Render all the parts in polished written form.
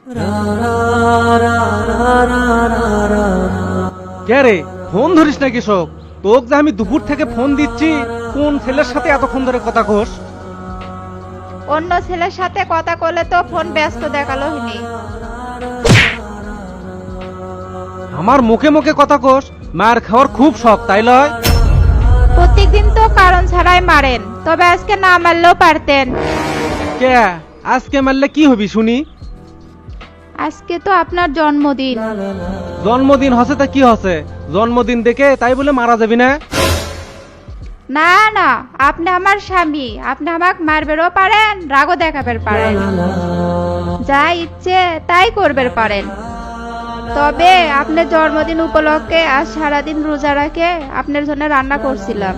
কে রে, ফোন ধরিস না কৃষক? তোকে যে আমি দুপুর থেকে ফোন দিচ্ছি, কোন ছেলের সাথে এতক্ষণ ধরে কথা কোস? অন্য ছেলের সাথে কথা কলে তো ফোন ব্যস্ত দেখালো হইনি। আমার মুখে মুখে কথা কোস, মার খাওয়ার খুব শখ তাই লয়? প্রত্যেকদিন তো কারণ ছাড়াই মারেন, তবে আজকে না মারলেও পারতেন। কে, আজকে মারলে কি হবি শুনি? আজকে তো আপনার জন্মদিন। জন্মদিন হসে তা কি হসে? জন্মদিন দেখে তাই বলে মারা যাবি না? না না, আপনি আমার স্বামী, আপনি আমাকে মারবেরও পারেন, রাগও দেখাবের পারেন, যা ইচ্ছে তাই করবের পারেন। তবে আপনার জন্মদিন উপলক্ষে আজ সারাদিন রোজা রাখে আপনার জন্য রান্না করছিলাম,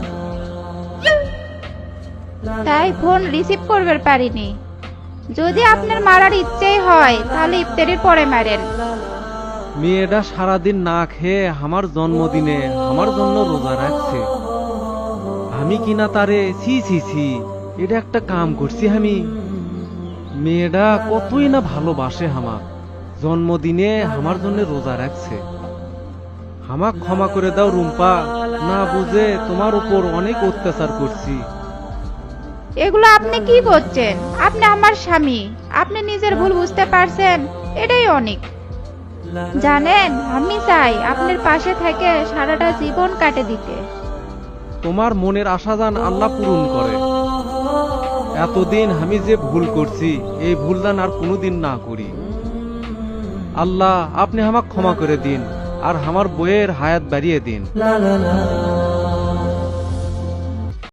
তাই ফোন রিসিভ করবার পারিনি। যদি আপনার মারার ইচ্ছেই হয় তাহলে ইফতারির পরে মারেন। মেয়েটা সারাদিন না খেয়ে আমার জন্মদিনে আমার জন্য রোজা রাখছে, আমি কিনা তারে ছি ছি ছি, এটা একটা কাম করছি আমি? মেয়েটা কতই না ভালোবাসে আমার, জন্মদিনে আমার জন্য রোজা রাখছে। আমাক ক্ষমা করে দাও রুম্পা, না বুঝে তোমার উপর অনেক অত্যাচার করছি। এগুলো আপনি কি বলছেন? আপনি আমার স্বামী, আপনি নিজের ভুল বুঝতে পারছেন, এটাই অনেক। জানেন, আমি চাই আপনার পাশে থেকে সারাটা জীবন কাটে দিতে। তোমার মনের আশা জান আল্লাহ পূরণ করে। এতদিন আমি যে ভুল করছি, এই ভুল জান আর কোনোদিন না করি। আল্লাহ আপনি আমাকে ক্ষমা করে দিন, আর আমার বইয়ের হায়াত বাড়িয়ে দিন।